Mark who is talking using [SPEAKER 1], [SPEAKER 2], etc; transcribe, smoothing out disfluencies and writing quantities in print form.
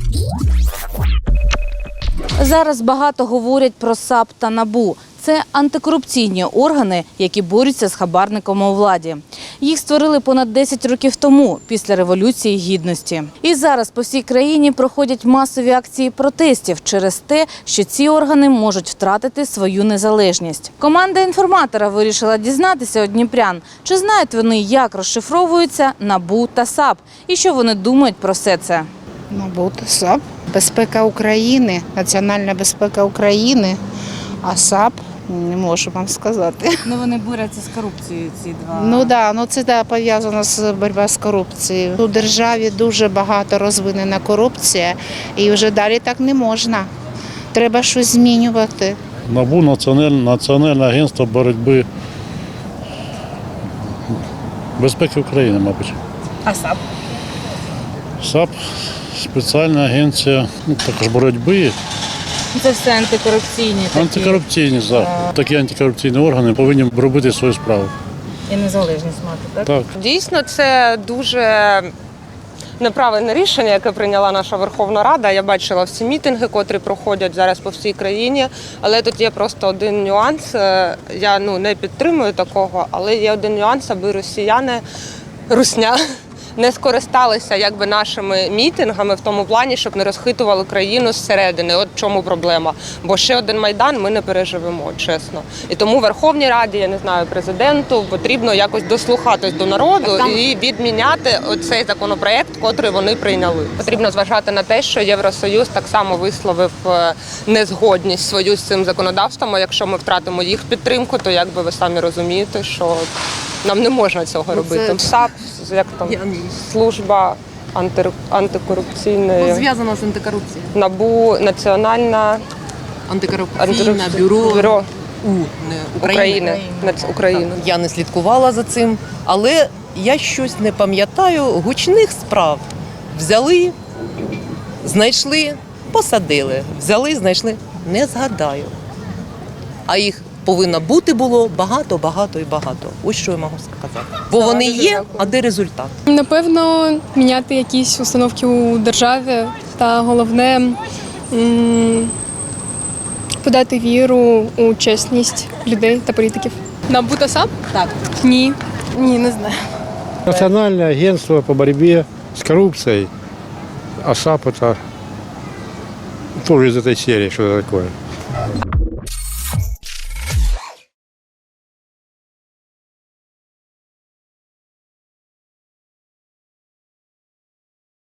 [SPEAKER 1] Зараз багато говорять про САП та НАБУ. Це антикорупційні органи, які борються з хабарниками у владі. Їх створили понад 10 років тому, після Революції Гідності. І зараз по всій країні проходять масові акції протестів через те, що ці органи можуть втратити свою незалежність. Команда інформатора вирішила дізнатися у дніпрян, чи знають вони, як розшифровуються НАБУ та САП, і що вони думають про все це.
[SPEAKER 2] НАБУ та САП. Безпека України, національна безпека України, а САП не можу вам сказати.
[SPEAKER 1] Ну, вони борються з корупцією, ці два.
[SPEAKER 2] Ну це пов'язано з боротьбою з корупцією. У державі дуже багато розвинена корупція і вже далі так не можна. Треба щось змінювати.
[SPEAKER 3] НАБУ – Національне агентство боротьби безпеки України, мабуть.
[SPEAKER 1] А САП?
[SPEAKER 3] САП – спеціальна агенція також боротьби.
[SPEAKER 1] Це все антикорупційні такі.
[SPEAKER 3] Антикорупційні, так. Такі антикорупційні органи повинні робити свою справу.
[SPEAKER 1] І незалежність мати, так?
[SPEAKER 3] Так.
[SPEAKER 4] Дійсно, це дуже неправильне рішення, яке прийняла наша Верховна Рада. Я бачила всі мітинги, котрі проходять зараз по всій країні. Але тут є просто один нюанс. Я не підтримую такого, але є один нюанс, аби русня не скористалися нашими мітингами в тому плані, щоб не розхитували країну зсередини. От в чому проблема. Бо ще один Майдан ми не переживемо, чесно. І тому Верховній Раді, я не знаю, президенту потрібно якось дослухатись до народу і відміняти оцей законопроект, котрий вони прийняли. Потрібно зважати на те, що Євросоюз так само висловив незгодність свою з цим законодавством, а якщо ми втратимо їх підтримку, то якби ви самі розумієте, що нам не можна цього робити. САП, як там, служба антикорупційної.
[SPEAKER 5] Зв'язана з антикорупцією.
[SPEAKER 4] НАБУ, Національна
[SPEAKER 5] Антикорупційне бюро
[SPEAKER 4] України. України.
[SPEAKER 5] Я не слідкувала за цим, але я щось не пам'ятаю гучних справ. Взяли, знайшли, посадили. Взяли, знайшли, не згадаю. А їх повинно бути було багато, багато і багато. Ось що я можу сказати. Бо вони є, а де результат?
[SPEAKER 6] Напевно, міняти якісь установки у державі та головне подати віру у чесність людей та політиків. НАБУ та САП?
[SPEAKER 1] Так.
[SPEAKER 6] Ні, не знаю.
[SPEAKER 7] Национальное агентство по борьбе с коррупцией, а САП это тоже из этой серии, что это такое.